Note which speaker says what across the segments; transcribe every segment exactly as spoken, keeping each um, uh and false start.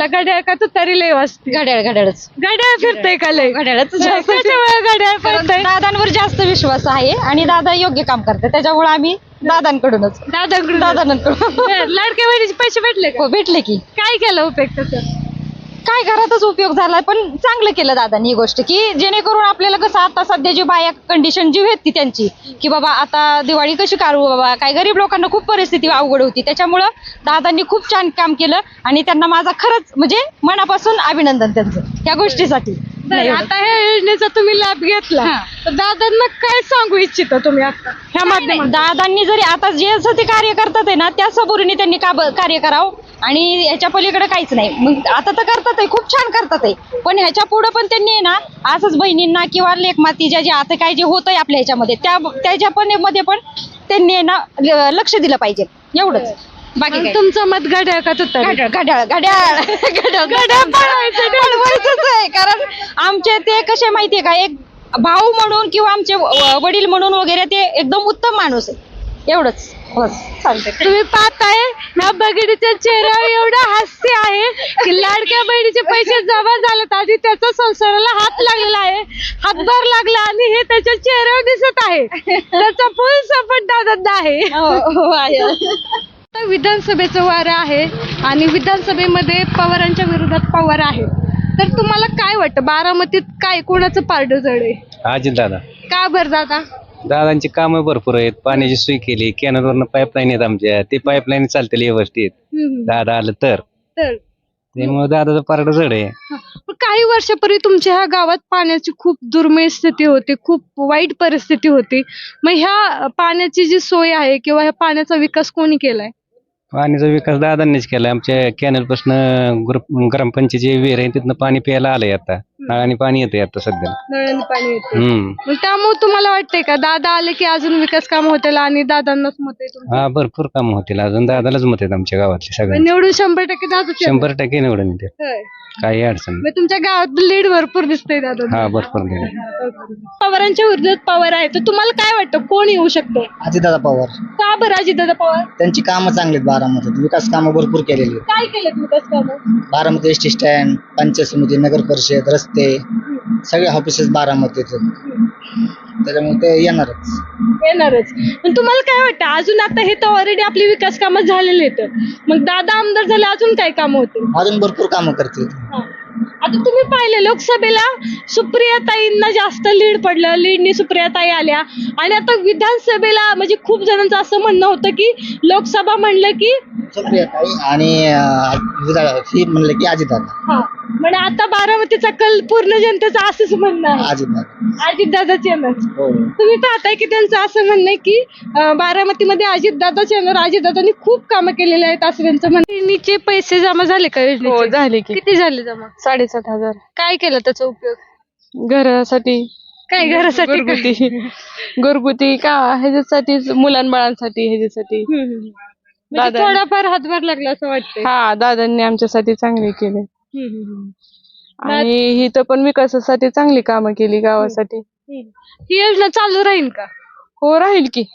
Speaker 1: घड्याळ का तू तरी लय वाजते?
Speaker 2: घड्याळ घड्याळच
Speaker 1: घड्याळ फिरतंय का लय?
Speaker 2: घड्याळच
Speaker 1: त्याच्यामुळे घड्याळ फिरतंय.
Speaker 2: दादांवर जास्त विश्वास आहे आणि दादा योग्य काम करते त्याच्यामुळे आम्ही दादांकडूनच
Speaker 1: दादाकडून
Speaker 2: दादांकडून
Speaker 1: लाडक्या बहिणीचे पैसे भेटले का?
Speaker 2: हो भेटले की.
Speaker 1: काय केलं उपयोग त्याचा?
Speaker 2: काय घरातच उपयोग झालाय पण चांगलं केलं दादांनी ही गोष्ट की जेणेकरून आपल्याला कसं आता सध्या जी बाया कंडिशन जी होती त्यांची की बाबा आता दिवाळी कशी काढू बाबा, काय गरीब लोकांना खूप परिस्थिती अवघड होती त्याच्यामुळं दादांनी खूप छान काम केलं आणि त्यांना माझा खरंच म्हणजे मनापासून अभिनंदन त्यांचं त्या गोष्टीसाठी.
Speaker 1: बरं, आता ह्या योजनेचा तुम्ही लाभ घेतला तर दादांना काय सांगू इच्छिता तुम्ही आता ह्या माध्यमात?
Speaker 2: दादांनी जरी आता जे असं ते कार्य करतात आहे ना त्या सबुरीने त्यांनी का कार्य करावं आणि ह्याच्या पलीकडे काहीच नाही. मग आता तर करतात आहे, खूप छान करतात आहे, पण ह्याच्या पुढे पण त्यांनी आहे ना असंच बहिणींना किंवा लेखमातीच्या जे आता काय जे होत आहे आपल्या ह्याच्यामध्ये त्या त्याच्या पण मध्ये पण त्यांनी आहे ना लक्ष दिलं पाहिजे एवढंच. बाकी काय.
Speaker 1: तुमचं मत घड्याळ का तुतारी?
Speaker 2: घड्याळ घड्याळ घड्याळ घड्याळ घड्याळ पळवायचंच आहे कारण आमचे ते कसे माहितीये का एक भाऊ म्हणून किंवा आमचे व- वडील म्हणून वगैरे ते एकदम उत्तम माणूस आहे एवढंच. बस चालतंय.
Speaker 1: तुम्ही पाहताय ह्या बहिणीच्या चेहऱ्यावर एवढं हास्य आहे की लाडक्या बहिणीचे पैसे जमा झालेत आणि त्याचा संसाराला हात लागलेला आहे, हातभार लागला आणि हे त्याच्या चेहऱ्यावर दिसत आहे. त्याचा फुल सपोर्ट दादांना आहे.
Speaker 2: हो, हो, आहे.
Speaker 1: आता विधानसभेचं वारं आहे आणि विधानसभेमध्ये पवारांच्या विरोधात पवार आहे, तर तुम्हाला काय वाटतं बारामतीत काय कोणाचं पारडं जड आहे?
Speaker 3: अजित दादा.
Speaker 1: का बरं दादा?
Speaker 3: दादांची कामं भरपूर आहेत, पाण्याची सोय केली, कॅनलवरनं पाईपलाईन आहेत आमच्या, ते पाईपलाईन चालतील व्यवस्थित.
Speaker 1: हम्म.
Speaker 3: दादा आलं तर
Speaker 1: तर
Speaker 3: त्यामुळे दादाचं पारड जड आहे.
Speaker 1: पण काही वर्षापूर्वी तुमच्या ह्या गावात पाण्याची खूप दुर्मिळ स्थिती होती, खूप वाईट परिस्थिती होती. मग ह्या पाण्याची जी सोय आहे किंवा ह्या पाण्याचा विकास कोणी केलाय?
Speaker 3: पाण्याचा विकास दादांनीच केला. आमच्या कॅनल पासून ग्रामपंचायतीचे विहीर आहे तिथनं पाणी प्यायला आलंय आता, नळाने पाणी येते आता सध्या.
Speaker 1: नळाने पाणी येते.
Speaker 3: हम्म
Speaker 1: मग त्यामुळे तुम्हाला वाटतंय का दादा आले की अजून विकास काम होतील आणि दादांनाच मत आहे तुमचं?
Speaker 3: हा भरपूर काम होतील अजून, दादालाच मत आहेत आमच्या गावातले सगळे.
Speaker 1: निवडून शंभर टक्के दादा
Speaker 3: शंभर टक्के निवडून येते, काही अडचण नाही.
Speaker 1: मग तुमच्या गावात लीड भरपूर दिसतंय दादा.
Speaker 3: हा भरपूर निवडून.
Speaker 1: पवारांच्या विरोधात पवार आहे, तर तुम्हाला काय वाटतं कोण येऊ शकतो?
Speaker 4: अजितदादा पवार.
Speaker 1: का बरं अजितदादा पवार?
Speaker 4: त्यांची कामं चांगली आहेत बारामतीत, विकास कामं भरपूर केलेली आहेत.
Speaker 1: काय केलं विकास कामं?
Speaker 4: Baramati S T stand, panchayat समिती, नगर परिषद, रस्ते, सगळे ऑफिसेस बारामतीत आहेत. त्याच्यामुळे ते येणारच.
Speaker 1: येणारच. पण तुम्हाला काय वाटतं अजून आता हे तर ऑलरेडी आपली विकास कामं झालेली आहेत, मग दादा आमदार झाले अजून काय कामं होतील?
Speaker 4: अजून भरपूर कामं करतील.
Speaker 1: आता तुम्ही पाहिलं लोकसभेला सुप्रियाताईंना जास्त लीड पडलं, लीडनी सुप्रियाताई आल्या आणि आता विधानसभेला म्हणजे खूप जणांचं असं म्हणणं होतं की लोकसभा म्हणलं की
Speaker 4: सुप्रियाताई आणि अं, ही म्हणलं की अजितदादा.
Speaker 1: हा म्हणजे आता बारामतीचा कल पूर्ण जनतेचं असंच म्हणणं आहे
Speaker 4: अजितदादा.
Speaker 1: अजितदादाच येणार.
Speaker 4: हो.
Speaker 1: तुम्ही पाहताय की त्यांचं असं म्हणणं आहे की अं, बारामतीमध्ये अजितदादाच येणार, अजितदादांनी खूप कामं केलेली आहेत असं त्यांचं म्हणणं. बहिणीचे पैसे जमा झाले का योजनेचे?
Speaker 5: हो झाले की.
Speaker 1: किती झाले जमा?
Speaker 5: साडेसात हजार.
Speaker 1: काय केलं त्याचा उपयोग?
Speaker 5: घरासाठी
Speaker 1: काय घरासाठी काय?
Speaker 5: घरगुती घरगुती का ह्याच्यासाठी मुलांबाळांसाठी ह्याच्यासाठी.
Speaker 1: हम्म, हम्म. म्हणजे
Speaker 5: दादा-
Speaker 1: थोडाफार हातभार लागला असं वाटतंय.
Speaker 5: हा दादांनी आमच्यासाठी चांगले केले
Speaker 1: हम्म, हम्म, हम्म.
Speaker 5: आणि ही तर पण विकासासाठी चांगली कामं केली गावासाठी.
Speaker 1: ही योजना चालू राहील का?
Speaker 5: हो राहील की.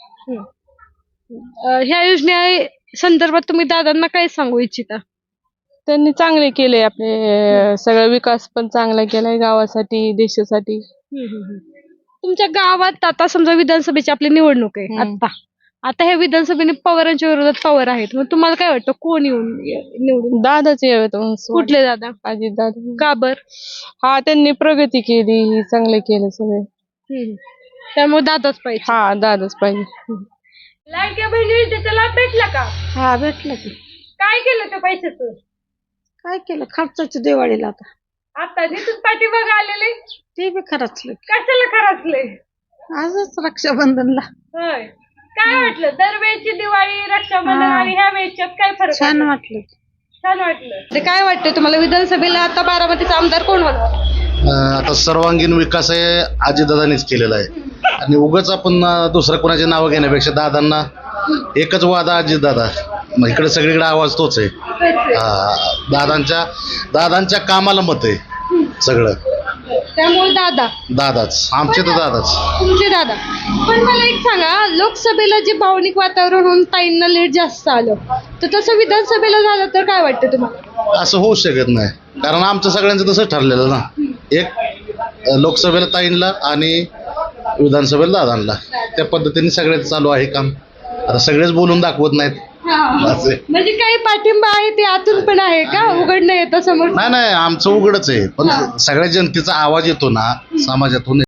Speaker 1: अं, ह्या योजने संदर्भात तुम्ही दादांना काय सांगू इच्छिता?
Speaker 5: त्यांनी चांगले केले आपले अं, सगळा विकास पण चांगला केलाय गावासाठी देशासाठी.
Speaker 1: तुमच्या गावात आता समजा विधानसभेची आपली निवडणूक आहे
Speaker 5: हम्म.
Speaker 1: आता आता ह्या विधानसभेने पवारांच्या विरोधात पवार आहेत, मग तुम्हाला काय वाटतं कोण येऊन निवडून?
Speaker 5: दादाच येत
Speaker 1: कुठले दादा?
Speaker 5: अजित दादा.
Speaker 1: का बर?
Speaker 5: हा त्यांनी प्रगती केली, ही चांगले केलं सगळे.
Speaker 1: त्यामुळे दादाच पाहिजे.
Speaker 5: हा दादाच पाहिजे.
Speaker 1: लाडक्या बहिणी त्याचा लाभ भेटला का?
Speaker 6: हा भेटलं की.
Speaker 1: काय केलं त्या पैशाचं?
Speaker 6: काय केलं खर्चाची दिवाळीला आता
Speaker 1: आता तिथून पाठीमाग आलेले
Speaker 6: ते बी खर्चलं.
Speaker 1: कशाला खराचले?
Speaker 6: आजच रक्षाबंधनला
Speaker 1: होय. काय वाटलं दरवेळची दिवाळी रक्षाबंधन
Speaker 6: हा.
Speaker 1: आणि ह्या वेळच्यात काय फरक
Speaker 6: छान
Speaker 1: वाटला?
Speaker 6: वाटलं.
Speaker 1: छान वाटलं. ते काय वाटतं तुम्हाला विधानसभेला आता बारामतीचा आमदार कोण होणार?
Speaker 7: अं, आता सर्वांगीण विकास आहे अजितदादांनीच केलेला आहे आणि उगाच आपण अं, दुसऱ्या कोणाची नावं घेण्यापेक्षा दादांना एकच वादा अजितदादा, मग इकडे सगळीकडे आवाज तोच आहे. हा, दादांच्या दादांच्या कामाला मत आहे सगळं.
Speaker 1: त्यामुळे दादा
Speaker 7: दादाच आमचे तर दादाच.
Speaker 1: तुमचे दादा. पण मला एक सांगा, लोकसभेला जे भावनिक वातावरण होऊन ताईंना लेट जास्त आलं, तर तसं विधानसभेला झालं तर काय वाटतं तुम्हाला?
Speaker 7: असं होऊ शकत नाही, कारण आमचं सगळ्यांचं तसंच ठरलेलं ना. एक अ, लोकसभेला ताईंला आणि विधानसभेला दादांना, त्या पद्धतीने सगळ्याच चालू आहे काम. आता सगळेच बोलून दाखवत नाहीत. असं आहे.
Speaker 1: म्हणजे काही पाठिंबा आहे ते आतून पण आहे का, उघडणं येतं समोर?
Speaker 7: नाही नाही, आमचं उघडच आहे, पण सगळ्या जनतेचा आवाज येतो ना समाजातून.